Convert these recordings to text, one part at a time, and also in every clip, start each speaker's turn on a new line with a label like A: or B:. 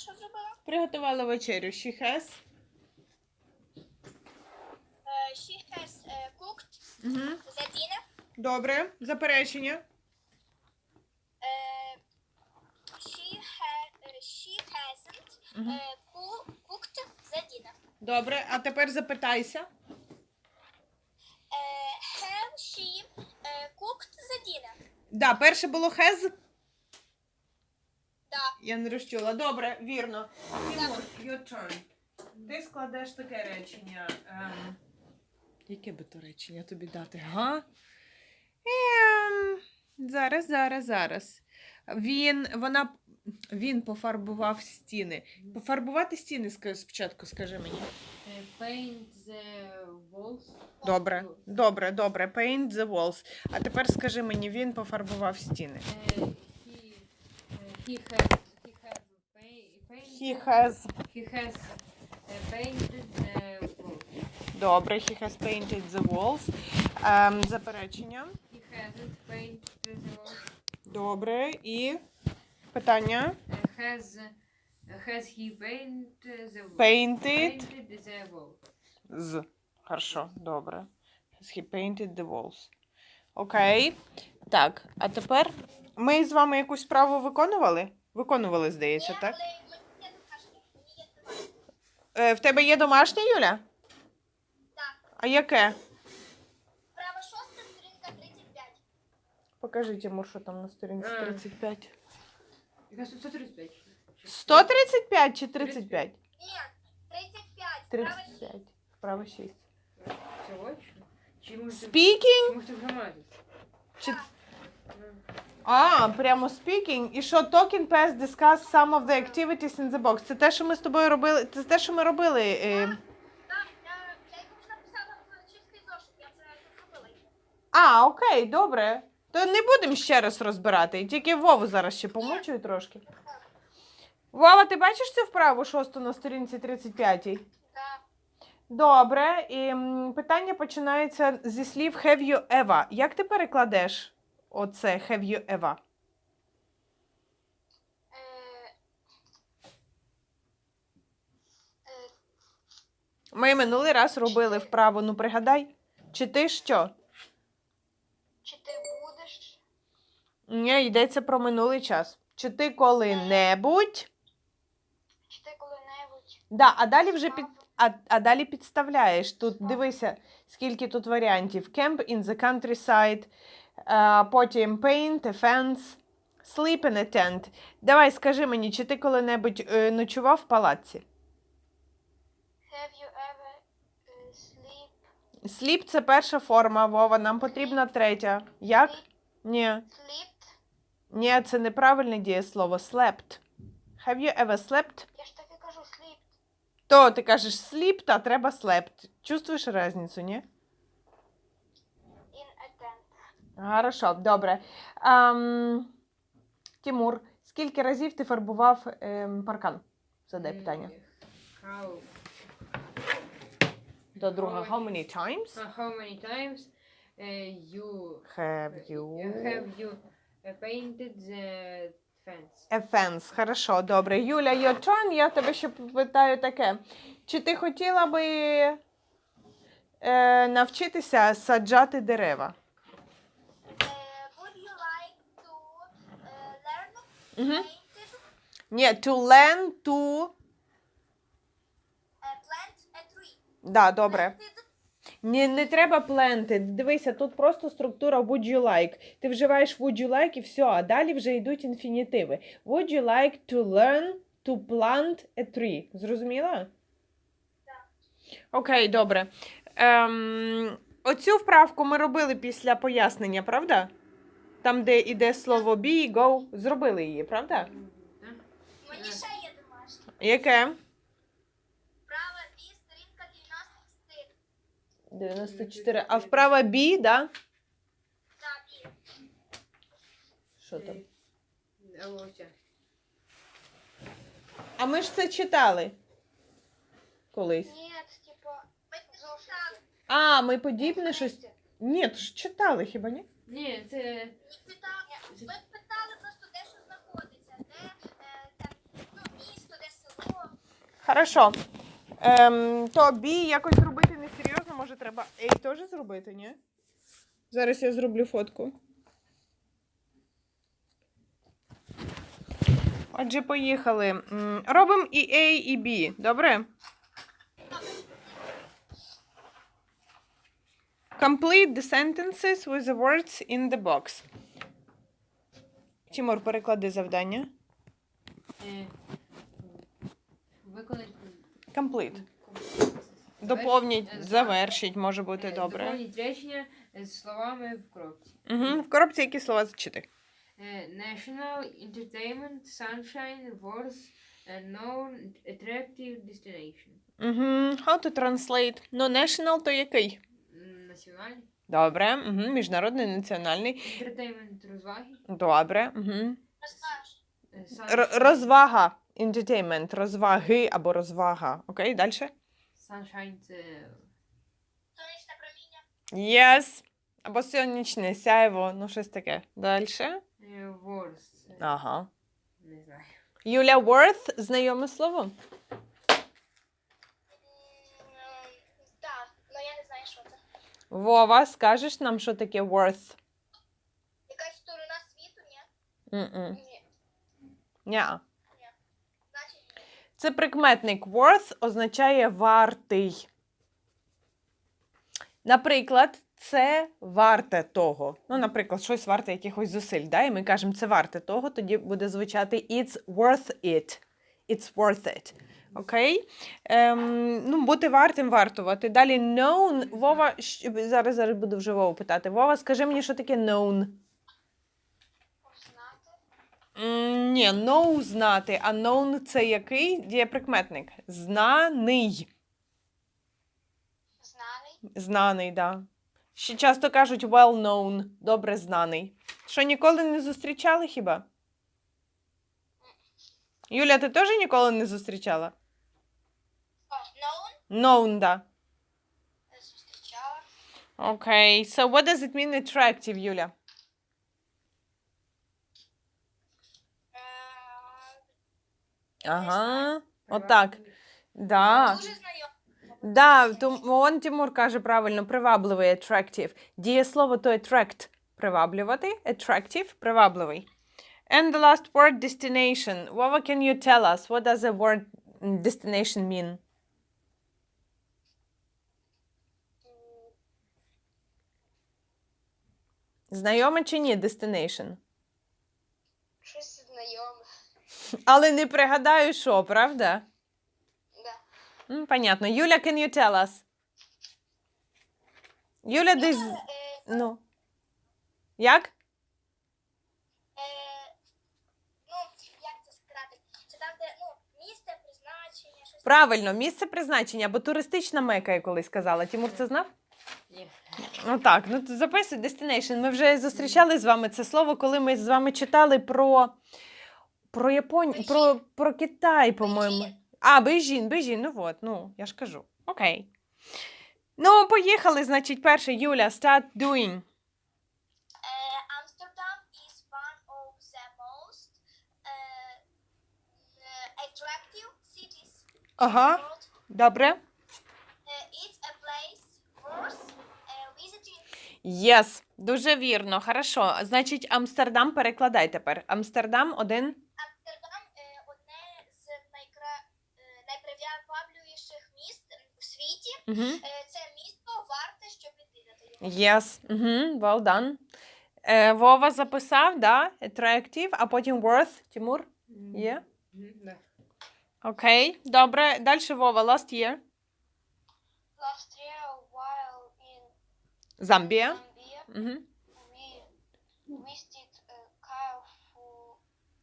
A: що зробила?
B: Приготувала вечерю. She has.
A: She has cooked
B: Угу.
A: the dinner.
B: Добре. Заперечення.
A: She hasn't
B: Угу.
A: cooked the dinner.
B: Добре. А тепер запитайся.
A: Have she cooked the dinner?
B: Да, перше було has.
A: Да.
B: Я не розчула. Добре, вірно. Тимур, your turn. Ти складеш таке речення. Яке би то речення тобі дати? Га? Зараз. Він пофарбував стіни. Пофарбувати стіни спочатку, скажи мені.
C: Paint the walls.
B: Добре. Paint the walls. А тепер скажи мені, він пофарбував стіни.
C: He has painted the walls.
B: Добре, he has painted the walls. Заперечення.
C: He hasn't painted the walls.
B: Добре. І питання.
C: Has he painted the walls?
B: Painted.
C: Painted the walls.
B: З. Хорошо, добре. Has he painted the walls. Окей. Так, а тепер ми з вами якусь справу виконували? Виконували, здається, так?
A: Але мені є домашнє. Мені є домашнє.
B: В тебе є домашнє, Юля?
A: Так.
B: А яке?
A: Право 6, сторінка 35.
B: Покажи, Тимур, що там на сторінці 35.
C: Якраз 135.
B: 135 чи 35?
A: Ні, 35.
B: 35. Вправо 6.
C: Всього?
B: Speaking?
C: Чому ти в громаді?
B: Чи... Прямо speaking. І що talking past discuss some of the activities in the box. Це те, що ми з тобою робили. Це те, що ми робили.
A: Так, я якось написала в чистий зошит, я це зробила.
B: Окей, добре. То не будемо ще раз розбирати. Тільки Вову зараз ще помучую трошки. Вова, ти бачиш цю вправу 6 на сторінці 35?
A: Так.
B: Добре. І питання починається зі слів have you ever. Як ти перекладеш оце have you ever? Ми минулий раз робили вправу, ну пригадай. Чи ти що?
A: Чи ти будеш?
B: Ні, йдеться про минулий час. Чи ти коли-небудь?
A: Чи ти коли-небудь?
B: Да, а далі вже далі підставляєш. Тут дивися, скільки тут варіантів. Camp in the countryside, потім paint, a fence, sleep in a tent. Давай, скажи мені, чи ти коли-небудь ночував в палаці?
A: Have you ever sleep?
B: Sleep – це перша форма, Вова, нам потрібна третя. Як?
A: Sleep?
B: Ні.
A: Slept?
B: Ні, це неправильне дієслово. Slept. Have you ever slept?
A: Я ж так і кажу sleep.
B: То ти кажеш slept, а треба slept. Чувствуєш різницю, ні?
A: In a tent.
B: Хорошо, добре. Тимур, скільки разів ти фарбував паркан? Задай питання.
C: How?
B: До друга. How many times?
C: How many times you
B: Have you
C: painted the fence?
B: a fence? Хорошо, добре. Юля, your turn. Я тебе ще питаю таке. Чи ти хотіла би навчитися саджати дерева?
A: Would you like to learn
B: Угу.
A: painted
B: Ні, to learn to...
A: plant a tree?
B: Да, добре.
A: Planted
B: Не треба planted. Дивися, тут просто структура would you like. Ти вживаєш would you like і все, а далі вже йдуть інфінітиви. Would you like to learn to plant a tree? Зрозуміла?
A: Так.
B: Окей, добре. Оцю вправку ми робили після пояснення, правда? Там, де йде слово be, go. Зробили її, правда?
A: Мені ще є домашнє.
B: Яке?
A: Право 2, сторінка 94.
B: 94. А вправа be, да?
A: Так, і.
B: Що там?
C: Оця.
B: А ми ж це читали колись.
A: Ні, типа, ми зошит.
B: Ми подібне щось. Ні, то ж читали хіба ні?
C: Ні, це...
A: Ми питали просто, де що знаходиться, де місто, де
B: Хорошо. То бі якось зробити несерйозно, може треба ей теж зробити, ні? Зараз я зроблю фотку. Отже, поїхали. Робимо і A, і B, добре? Complete the sentences with the words in the box. Тимур, переклади завдання.
C: Виконати.
B: Complete. Доповніть, завершіть, може бути добре.
C: Доповніть речення з словами в коробці.
B: Угу. В коробці які слова зачити?
C: National Entertainment Sunshine was a known attractive destination.
B: Угу. How to translate? Ну, national то який?
C: Національний.
B: Добре. Угу. Міжнародний, національний.
C: Entertainment розваги.
B: Добре. Угу.
A: Розкажеш.
B: Розвага. Entertainment. Розваги або розвага. Окей, далі?
C: Sunshine це
A: Сонячне проміння.
B: Yes. Або сонячне сяйво, ну щось таке. Далі?
C: was. Це
B: Ага.
C: не знаю.
B: Юля, worth, знайоме слово?
A: Так, але я не знаю, що це.
B: Вова, скажеш нам, що таке worth?
A: Якась сторона світу, ні?
B: М-м.
A: Ні.
B: Ня.
A: Значить, ні.
B: Це прикметник. Worth означає вартий. Наприклад, це варте того. Ну, наприклад, щось варте якихось зусиль. Да? І ми кажемо, це варте того, тоді буде звучати it's worth it. It's worth it. Окей? Ну, бути вартим, вартувати. Далі known. Вова, зараз буду вже Вову питати. Вова, скажи мені, що таке known?
A: Знати.
B: Ні, know знати, а known це який дієприкметник? Знаний.
A: Знаний.
B: Знаний, да. Ще часто кажуть well known, добре знаний. Що ніколи не зустрічали хіба? Юля, ти теж ніколи не зустрічала?
A: О, known.
B: Known, да.
A: Зустрічала.
B: Окей. So what does it mean attractive, Юля? Ага. Отак. Да.
A: Дуже знайомо.
B: Да, он Тимур каже правильно, привабливий, attractive. Дієслово то attract, приваблювати, attractive, привабливий. And the last word, destination. Vova, can you tell us, what does the word destination mean? Знайоме чи ні, destination?
A: Щось знайоме.
B: Але не пригадаю, що, правда?
A: Да.
B: Понятно. Юля, can you tell us? Юля десь... Ну. Як?
A: Ну, як це сказати? Це там, де, місце, призначення, щось.
B: Правильно, місце призначення, або туристична мека, я колись казала. Тимур це знав?
C: Ні.
B: Ну так, ну то записуй destination. Ми вже зустрічали з вами це слово, коли ми з вами читали про Японію, про Китай, по-моєму. А, Бейжін, ну от, ну, я ж кажу. Окей. Ну, поїхали, значить, перше, Юля, start doing.
A: Amsterdam is one of the most attractive cities in the
B: Ага,
A: world.
B: добре.
A: It's a place worth visiting.
B: Yes, дуже вірно, хорошо. Значить, Амстердам перекладай тепер. Амстердам один.
A: Амстердам одне з найпривабливіших міст у світі.
B: Угу.
A: Це місто варте, щоб відвідати його.
B: Yes, угу, well done. Вова записав, да, attractive, а потім worth, Тимур, є?
C: Да.
B: Окей, добре. Далі Вова, last year.
A: Last year, while in
B: Замбія.
A: Zambia,
B: Угу.
A: we visited a Carrefour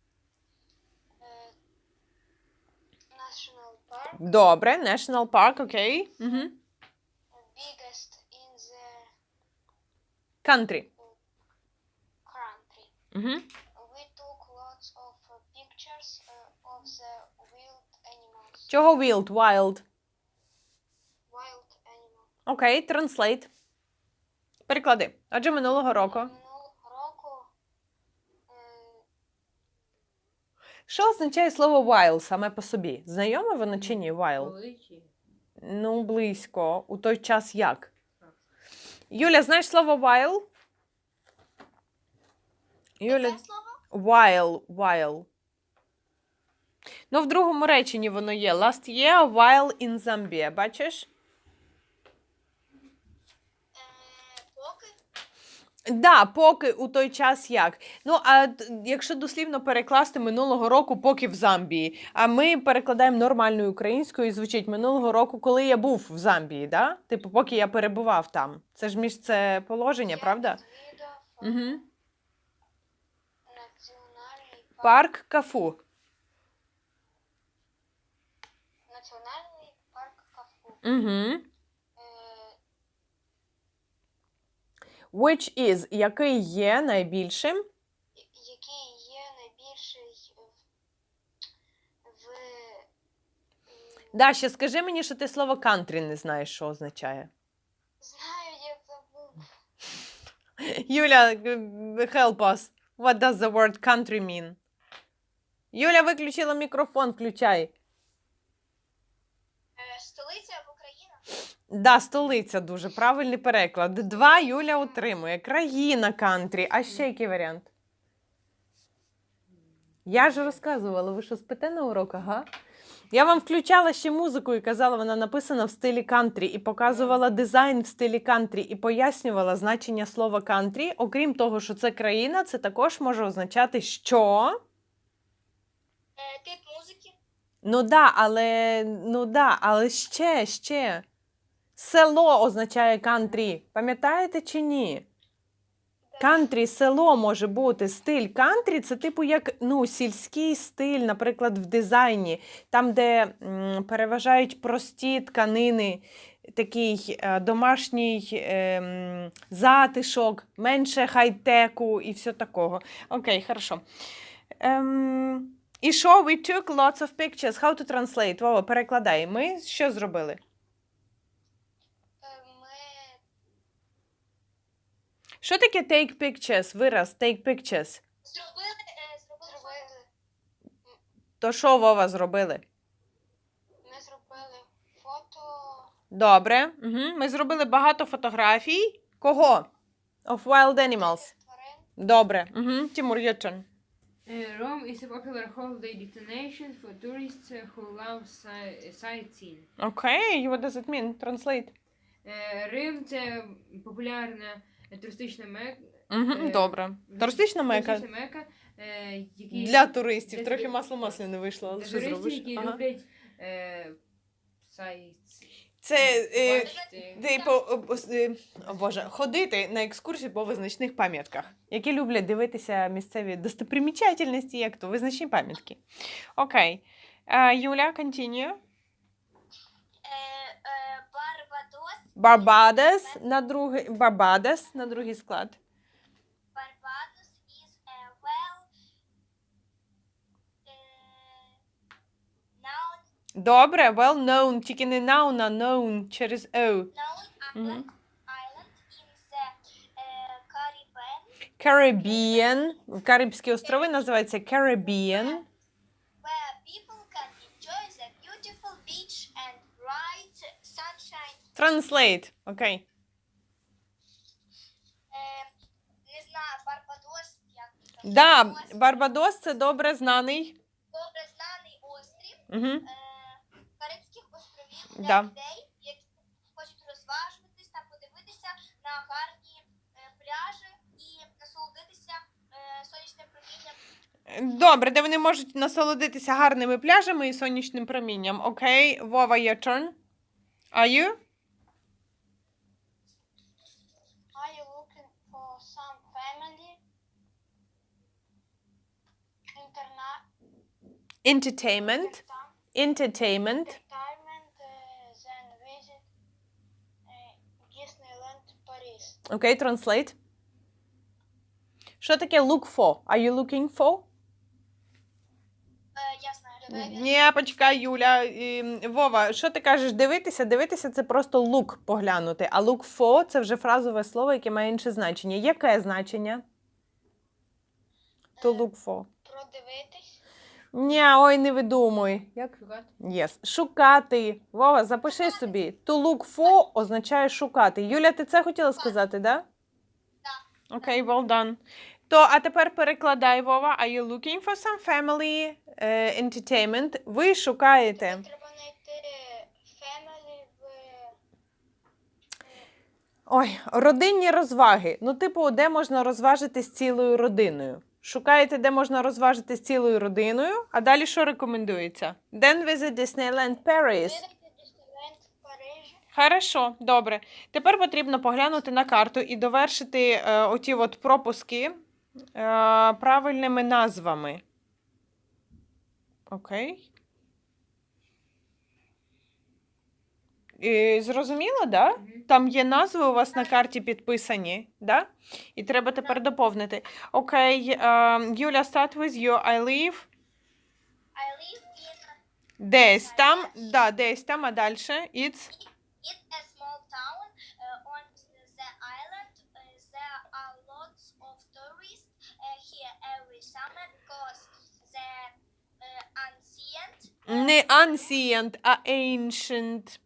A: National Park,
B: Добре, National Park, окей. Угу.
A: biggest in the
B: Country.
A: country.
B: Угу.
A: We took lots of pictures of the wild animals.
B: Чого wild? Wild.
A: Wild animals.
B: Окей, translate. Переклади. Отже, минулого року.
A: Минулого року
B: Що означає слово while саме по собі? Знайоме воно чи ні? While?
C: Коли чи?
B: Ну, близько. У той час як? Юля, знаєш слово while? Юля,
A: Яке слово?
B: while. Ну, в другому реченні воно є. Last year while in Zambia. Бачиш?
A: Поки.
B: Да, поки у той час як. Ну, а якщо дослівно перекласти минулого року, поки в Замбії. А ми перекладаємо нормальною українською і звучить минулого року, коли я був в Замбії, да? Типу, поки я перебував там. Це ж місце положення, правда? Угу.
A: Національний
B: Парк Кафу.
A: Національний парк Кафу.
B: Угу.
A: Е,
B: Which is, який є найбільшим?
A: який є найбільший
B: Да, ще скажи мені, що ти слово country не знаєш, що означає.
A: Знаю, я забув.
B: Юля, help us. What does the word country mean? Юля виключила мікрофон, включай.
A: Столиця або країна?
B: Да, столиця дуже правильний переклад. 2 Юля отримує. Країна country. А ще який варіант? Я ж розказувала, ви що спите на уроках, га? Я вам включала ще музику і казала, вона написана в стилі кантрі, і показувала дизайн в стилі кантрі, і пояснювала значення слова кантрі. Окрім того, що це країна, це також може означати, що...
A: Тип музики?
B: Ну да, але ще. Село означає кантрі. Пам'ятаєте чи ні? Кантрі, село може бути. Стиль кантрі – це типу як сільський стиль, наприклад, в дизайні. Там, де переважають прості тканини, такий домашній затишок, менше хай-теку і все такого. Окей, хорошо. І що? We took lots of pictures. How to translate? Вова, перекладай. Ми що зробили? Що таке take pictures? Вираз take pictures.
A: Зробили.
B: То що, Вова, зробили?
A: Ми зробили фото.
B: Добре. Угу. Ми зробили багато фотографій. Кого? Of wild animals.
A: Тварин.
B: Добре. Угу. Тимур, your turn.
C: Rome is a popular holiday destination for tourists who love sightseeing.
B: Окей, what does it mean? Translate.
C: Рим – це популярна туристична мека.
B: Угу. Добре. Туристична мека.
C: Туристична мека, який
B: Для туристів.
C: для
B: Трохи
C: тури-
B: масло масляне не вийшло, але
C: для
B: що
C: туристів,
B: зробиш?
C: які
B: Ага.
C: люблять sightseeing.
B: Це,
C: Бачити.
B: типу, о Боже, ходити на екскурсії по визначних пам'ятках, які люблять дивитися місцеві достопримічательності, як то визначні пам'ятки. Окей. Юля, continue.
A: Барбадос.
B: Барбадос на другий склад.
A: Barbados is a well known
B: Добре, well known, тільки не noun, а known через O.
A: island
B: Мгм.
A: in the Caribbean
B: Caribbean. В Карибські острови називаються Caribbean.
A: where people can enjoy the beautiful beach and bright sunshine.
B: Translate. Окей.
A: Не знаю, Барбадос, як там.
B: Да,
A: Барбадос.
B: Барбадос – це добре знаний.
A: Добре знаний острів
B: Угу.
A: Карибських островів для
B: Да.
A: людей, які хочуть розважитись та подивитися на гарні пляжі і насолодитися сонячним промінням.
B: Добре, де вони можуть насолодитися гарними пляжами і сонячним промінням. Окей, Вова, your turn. Are you?
A: Are you looking for some family
B: Entertainment. Entertainment.
A: entertainment, then visit Disneyland Paris?
B: Окей, translate. Що таке look for? Are you looking for?
A: Я знаю.
B: Ні, почекай, Юля. Вова, що ти кажеш? Дивитися? Дивитися – це просто look поглянути. А look for – це вже фразове слово, яке має інше значення. Яке значення? To look for.
A: Продивитись.
B: Ні, ой, не видумуй. Як?
C: Шукати.
B: Yes. Шукати. Вова, запиши собі. To look for означає шукати. Юля, ти це хотіла сказати, да?
A: Так.
B: Окей, well done. То, а тепер перекладай, Вова. Are you looking for some family entertainment? Ви шукаєте.
A: Треба знайти family в...
B: Ой, родинні розваги. Ну, типу, де можна розважити з цілою родиною. Шукаєте, де можна розважити з цілою родиною, а далі що рекомендується? Then visit Disneyland Paris.
A: Disneyland в Парижі.
B: Хорошо, добре. Тепер потрібно поглянути на карту і довершити оті от пропуски правильними назвами. Окей. Зрозуміло, да? Там є назви у вас на карті підписані, да? І треба тепер доповнити. Окей, Юля, start with you. I live.
A: I live in...
B: Десь там, да, десь там, а далі. It's
A: It's a small town on the island. There are lots of tourists here every summer because the ancient
B: не ancient, а ancient.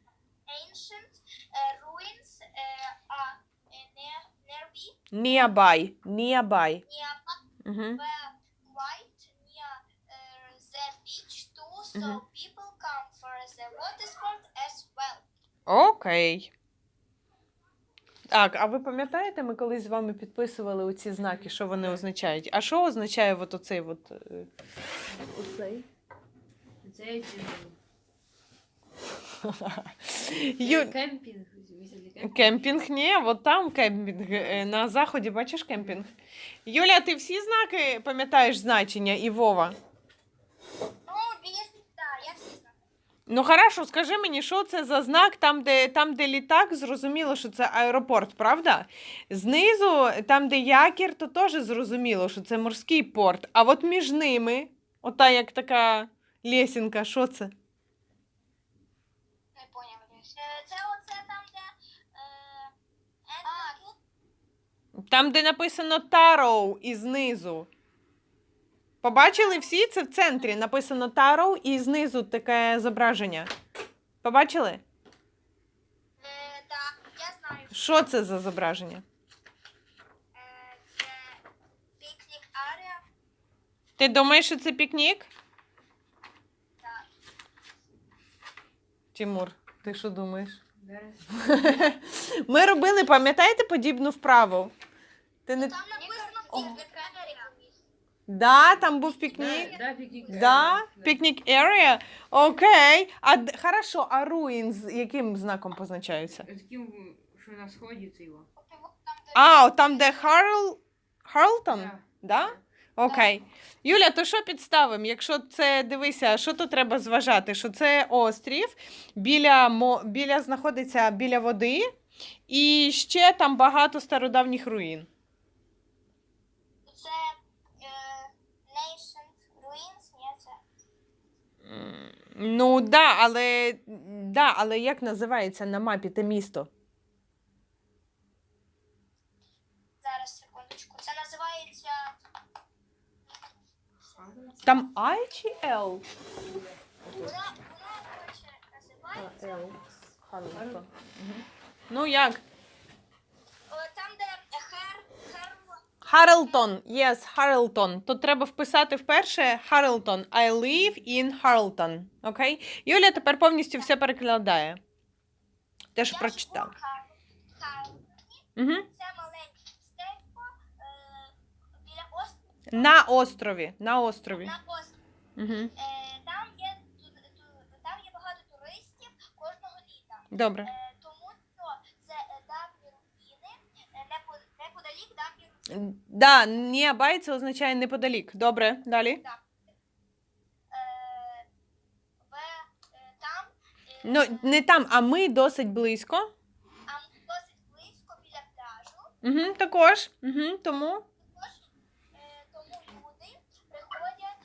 A: ruins are nearby.
B: Nearby. Nearby. Угу.
A: Were quite near the beach too, so people come for the water sport as well.
B: Окей. Так, а ви пам'ятаєте, ми колись з вами підписували оці знаки, що вони означають? А що означає от оцей от... Оцей?
C: Це
B: Ю...
C: кемпінг. Місце для
B: Кемпінг, ні, от там кемпінг, на заході, бачиш кемпінг? Юля, ти всі знаки пам'ятаєш значення і Вова?
A: Ну, если да, я все знаю.
B: Ну, хорошо, скажи мені, що це за знак, там, де літак, зрозуміло, що це аеропорт, правда? Знизу, там, де якір, то теж зрозуміло, що це морський порт. А от між ними, ота як така лесінка, що це?
A: Не поняв. Це оце там, де... тут
B: Там, де написано Тароу і знизу. Побачили всі? Це в центрі написано Тароу і знизу таке зображення. Побачили?
A: так, я знаю.
B: Що це за зображення?
A: Це пікнік арія.
B: Ти думаєш, що це пікнік?
A: Так.
B: Тимур, ти що думаєш?
C: Зараз.
B: Ми робили, пам'ятаєте, подібну вправу? Ти не...
A: Там написано пікнік арія.
B: Да, там був пікнік.
C: Да, пікнік.
B: Да, пікнік area. Окей. Хорошо, а ruins яким знаком позначаються?
C: Таким, що на сході це його.
B: Там, де Харлтон?
C: Да.
B: Да? Окей. Юля, то що підставимо? Якщо це, дивися, що тут треба зважати? Що це острів, біля знаходиться біля води, і ще там багато стародавніх руїн.
A: Це Nation Ruins, ні, це...
B: Ну, да, але як називається на мапі те місто?
A: Зараз, секундочку. Це називається...
B: Там I чи L?
A: Вона коротше, називається...
B: Ну, як?
A: Там, де
B: Харлтон, yes, Харлтон. Тут треба вписати вперше Харлтон. I live in Harlton. Окей? Юля тепер повністю все перекладає. Те, що прочитала. Угу.
A: Це маленьке містечко біля острову.
B: На острові. На острові.
A: На острові.
B: Угу.
A: Там є багато туристів кожного літа.
B: Добре.
A: Тому що це давні руїни, неподалік давні руїни.
B: Да, неабай це означає неподалік. Добре, далі.
A: Так. Там,
B: Ну, не там, а ми досить близько.
A: а досить близько біля пляжу.
B: Угу, також. Угу, тому.
A: Також тому люди приходять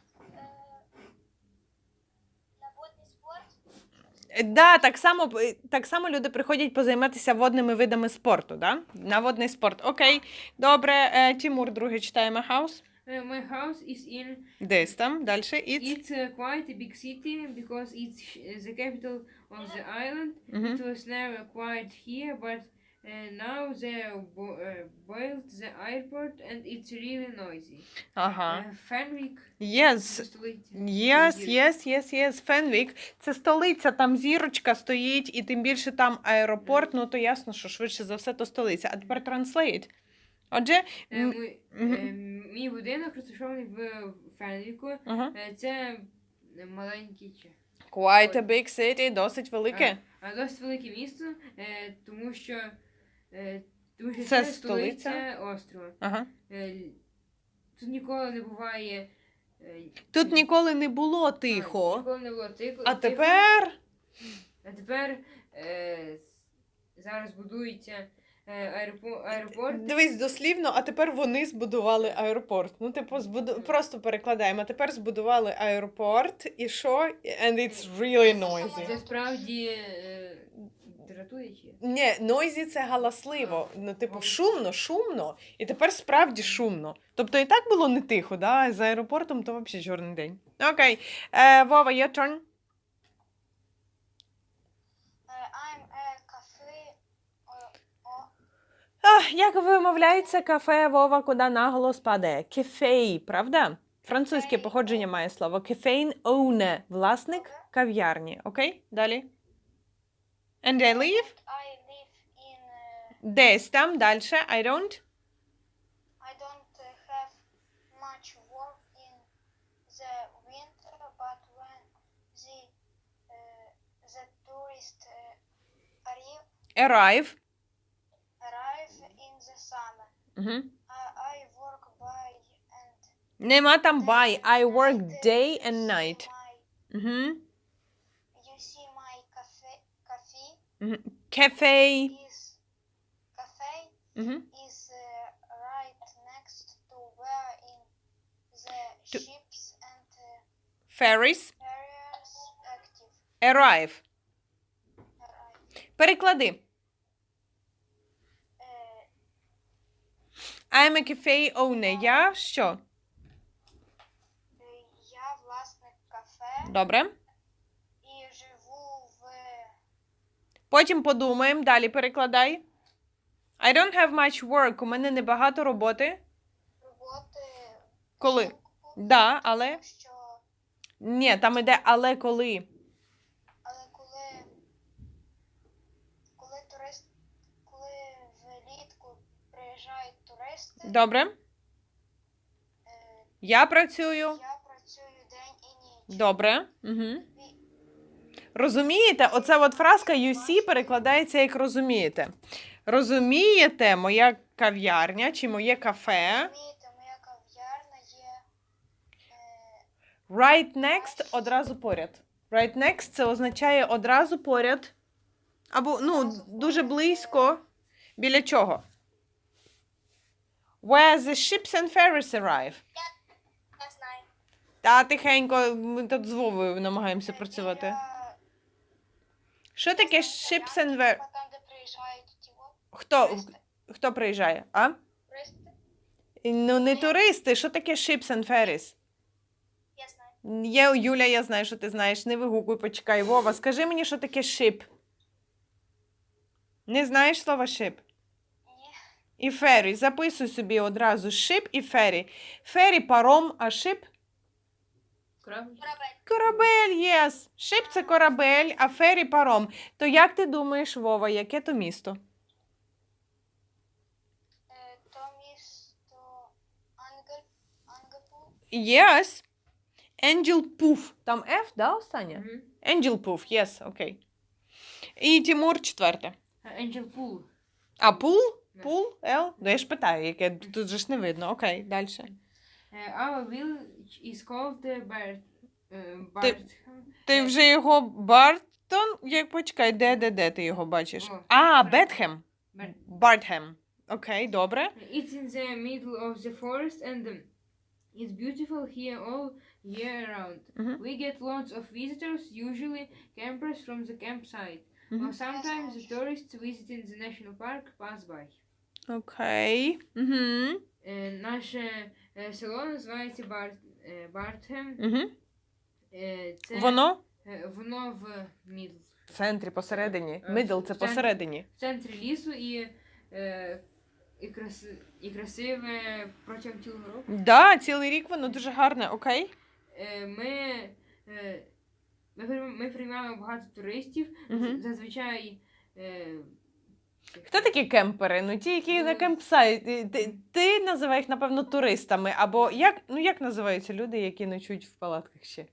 A: на водний спорт.
B: Да, так само люди приходять позайматися водними видами спорту, да? На водний спорт. Окей. Добре, Тимур, друге читаємо House.
C: My house is in.
B: Десь там, далі. It's.
C: It's quite a big city because it's the capital of the island.
B: Мгм.
C: It was never quite here, but now they built the airport and it's really noisy.
B: Ага.
C: Fenwick.
B: Yes.
C: Це столиця.
B: Yes. Фенвік. Це столиця, там зірочка стоїть, і тим більше там аеропорт, ну то ясно, що швидше за все то столиця. А тепер translate. Отже,
C: Мій будинок розташований в Фенвіку.
B: ага.
C: Це маленький
B: Quite a big city, досить велике.
C: досить велике місто, тому що
B: Це
C: це
B: столиця?
C: столиця острова.
B: Ага.
C: Тут ніколи не буває.
B: Тут ніколи не було тихо.
C: Ніколи не було тихо.
B: А тепер
C: А тепер зараз будується аеропорт.
B: дивись дослівно, а тепер вони збудували аеропорт. Ну, типу, просто перекладаємо. А тепер збудували аеропорт, і що? And it's really noisy.
C: Це справді дратуюче.
B: Ні, noisy – це галасливо. Ну, типу, шумно. І тепер справді шумно. Тобто і так було не тихо, да? А з аеропортом то взагалі чорний день. Окей. Вова, your turn.
A: I'm a cafe.
B: Як вимовляється кафе, Вова, куди наголос падає? Кефей, правда? Французьке
A: Кефей.
B: походження має слово. Кефейн owner – власник кав'ярні. Окей? Далі. And I live?
A: I live in.
B: Десь там, далі. I don't.
A: I don't have much work in the winter, but when the tourists
B: Arrive.
A: arrive in the summer,
B: Угу.
A: I work by and
B: Нема там by. I work
A: night.
B: day and
A: You see
B: night. Угу.
A: You see my cafe
B: Cafe. Угу.
A: is right next to where in the
B: To-
A: ships and
B: Ferries.
A: ferries active
B: Arrive.
A: arrive.
B: Переклади.
A: Е,
B: I'm a cafe owner. Я що?
A: Я власник кафе
B: Добре.
A: і живу в
B: Потім подумаємо. Далі перекладай. I don't have much work. У мене небагато роботи.
A: роботи.
B: Коли?
A: взимку,
B: Да, але...
A: тому що
B: Ні, там іде але коли.
A: але коли влітку приїжджають туристи,
B: Добре.
A: е,
B: Я працюю.
A: я працюю день і ніч.
B: Добре. Угу. Розумієте? Оця от фразка you see перекладається як розумієте. Розумієте, моя кав'ярня чи моє кафе
A: Розумієте, моя кав'ярня є
B: right next одразу поряд. Right next це означає одразу поряд. Або, ну, дуже близько. Біля чого? Where the ships and ferries arrive.
A: я знаю.
B: Та тихенько, ми тут з Вовою намагаємося працювати.
A: Біля-
B: Що таке ships and ferries?
A: Там, де приїжджають ті
B: Хто приїжджає? А?
A: туристи,
B: Ну, не туристи. Що таке ships and ferries?
A: я знаю.
B: Юля, я знаю, що ти знаєш. Не вигукуй, почекай. Вова, скажи мені, що таке ship? Не знаєш слова ship?
A: Ні.
B: І ferry. Записуй собі одразу ship і ferry. Ferry – паром, а ship –
C: Корабель.
A: Корабель.
B: корабель, yes. Ship – це корабель, а ferry – паром. То як ти думаєш, Вова, яке то місто?
A: То місто Ангапур.
B: Yes. Angel Poof. Там F, да, останнє?
C: Мгм.
B: Angel Poof, yes, окей. І Тимур четверте.
C: Angel Pool.
B: А пул?
C: Да.
B: Пул? L? Ну я ж питаю, яке тут же ж не видно. Окей, далі.
C: Our village is called Bartham.
B: Ти вже його Бартон? Як почекай, де ти його бачиш?
C: О.
B: А, Бетхем.
C: Bar-
B: Бартхем. Окей, добре.
C: It's in the middle of the forest and it's beautiful here all year round.
B: Mhm.
C: We get lots of visitors, usually campers from the campsite.
B: Mhm.
C: Or sometimes the tourists visiting the national park pass by.
B: Окей. Угу.
C: Наше село називається Бартхем.
B: Угу.
C: Це
B: Воно
C: воно в мідл.
B: в центрі, посередині.
C: Е,
B: Мидл
C: в
B: це
C: центрі.
B: посередині.
C: В центрі лісу і красиве протягом цілого року.
B: Да, цілий рік воно дуже гарне, окей?
C: Ми приймаємо багато туристів.
B: Мгм.
C: Зазвичай
B: Хто такі кемпери? Ну ті, які на
C: Ну,
B: кемпсайті. Ти називай їх, напевно, туристами. Або як називаються люди, які ночують в палатках ще?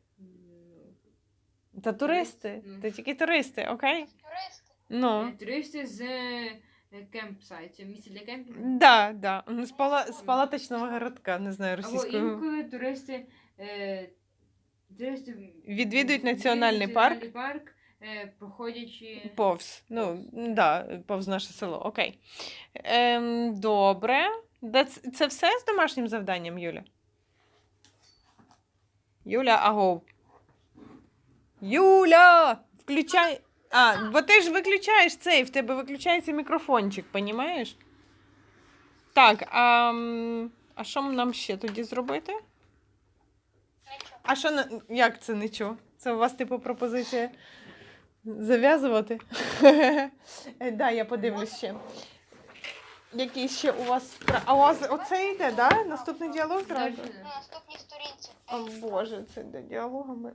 B: Та туристи.
C: Ну.
B: Ти тільки туристи, окей?
A: Туристи.
B: Ну.
C: туристи з кемпсайт. Це місце для кемпінгу.
B: Да. З палаточного городка, не знаю,
C: Або
B: російською.
C: інколи туристи
B: Відвідують національний парк,
C: проходячи.
B: повз. Ну, да, повз наше село. Окей. Добре. Це все з домашнім завданням, Юля? Юля, агов. Юля! Включай. Бо ти ж виключаєш цей, в тебе виключається мікрофончик, понімаєш? Так, а що нам ще тоді зробити?
A: Нічого.
B: А що, як це нічого? Це у вас, типу, пропозиція зав'язувати? Да, я подивлюсь ще. Які ще у вас... А у вас оце йде, да? Наступний діалог зразу?
A: На наступній сторінці.
B: О, Боже, це до діалогами.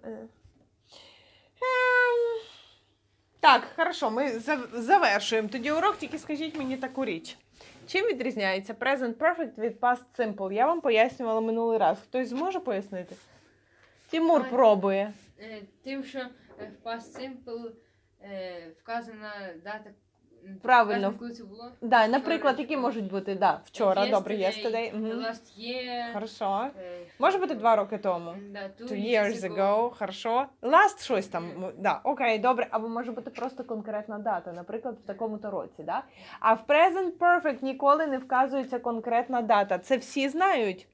B: Так, хорошо, ми завершуємо. Тоді урок, тільки скажіть мені таку річ. Чим відрізняється present perfect від past simple? Я вам пояснювала минулий раз. Хтось зможе пояснити? Тимур пробує.
C: Тим, що в past simple вказана дата.
B: Правильно.
C: вказано, коли це було.
B: Да, наприклад, які можуть бути? Да, вчора, добре, yesterday.
C: The last year.
B: Хорошо.
C: е,
B: Може бути 2 роки тому?
C: Да,
B: 2 years ago, хорошо. Last щось там, да, окей, добре. Або може бути просто конкретна дата, наприклад, в такому-то році, да? А в present perfect ніколи не вказується конкретна дата. Це всі знають?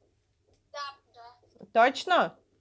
A: Да.
B: Точно?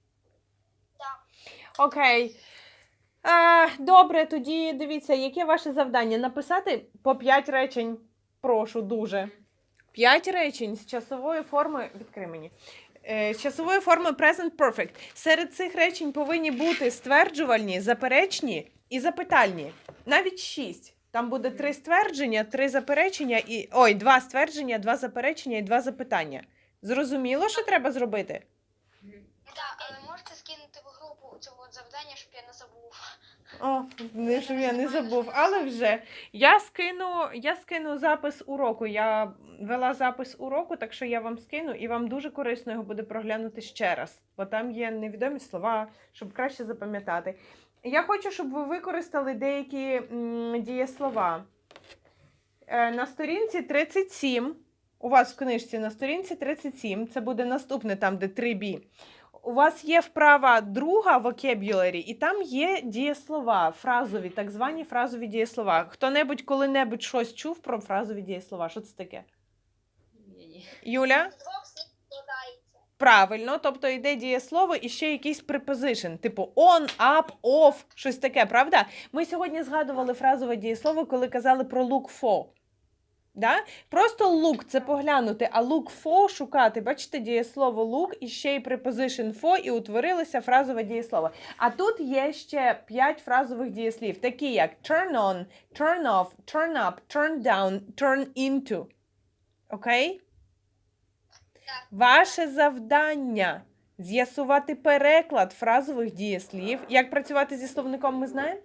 A: Да.
B: Окей. Добре, тоді дивіться, яке ваше завдання? Написати по 5 речень, прошу, дуже. 5 речень з часової форми, відкрий мені, з часової форми present perfect. Серед цих речень повинні бути стверджувальні, заперечні і запитальні. Навіть 6. Там буде 3 ствердження, 3 заперечення, 2 ствердження, 2 заперечення і 2 запитання. Зрозуміло, що треба зробити?
A: Да, але можете скинути в групу цього завдання, щоб я не забув.
B: О, не щоб я не забув, але вже. Я скину запис уроку. Я вела запис уроку, так що я вам скину, і вам дуже корисно його буде проглянути ще раз, бо там є невідомі слова, щоб краще запам'ятати. Я хочу, щоб ви використали деякі дієслова. На сторінці 37, у вас в книжці на сторінці 37, це буде наступне там, де 3B. У вас є вправа друга vocabulary, і там є дієслова, фразові, так звані фразові дієслова. Хто-небудь коли-небудь щось чув про фразові дієслова? Що це таке?
C: Ні.
B: Юля?
A: З двох слів складається.
B: Правильно, тобто йде дієслово і ще якийсь preposition, типу on, up, off, щось таке, правда? Ми сьогодні згадували фразове дієслово, коли казали про look for. Да? Просто look – це поглянути, а look for – шукати. Бачите, дієслово look і ще й preposition for, і утворилося фразове дієслово. А тут є ще 5 фразових дієслів, такі як turn on, turn off, turn up, turn down, turn into. Окей?
A: Так.
B: Ваше завдання – з'ясувати переклад фразових дієслів. Як працювати зі словником, ми знаємо?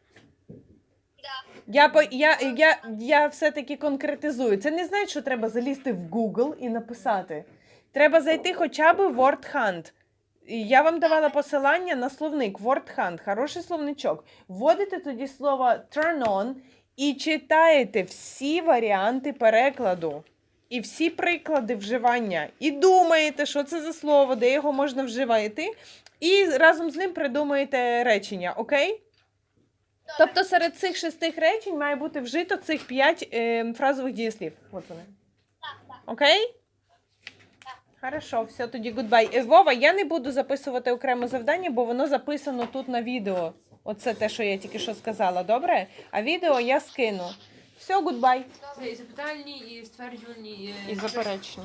A: Да.
B: Я все-таки конкретизую. Це не значить, що треба залізти в Google і написати. Треба зайти хоча б в WordHunt. І я вам давала посилання на словник WordHunt, хороший словничок. Вводите тоді слово turn on і читаєте всі варіанти перекладу. І всі приклади вживання. І думаєте, що це за слово, де його можна вживати. І разом з ним придумаєте речення, окей? Тобто серед цих 6 речень має бути вжито цих 5 фразових дієслів. От вони.
A: Так.
B: Окей? Хорошо, все, тоді goodbye. Вова, я не буду записувати окремо завдання, бо воно записано тут на відео. Оце те, що я тільки що сказала, добре? А відео я скину. Все, goodbye.
C: Це і запитальні, і стверджувальні,
B: І заперечення.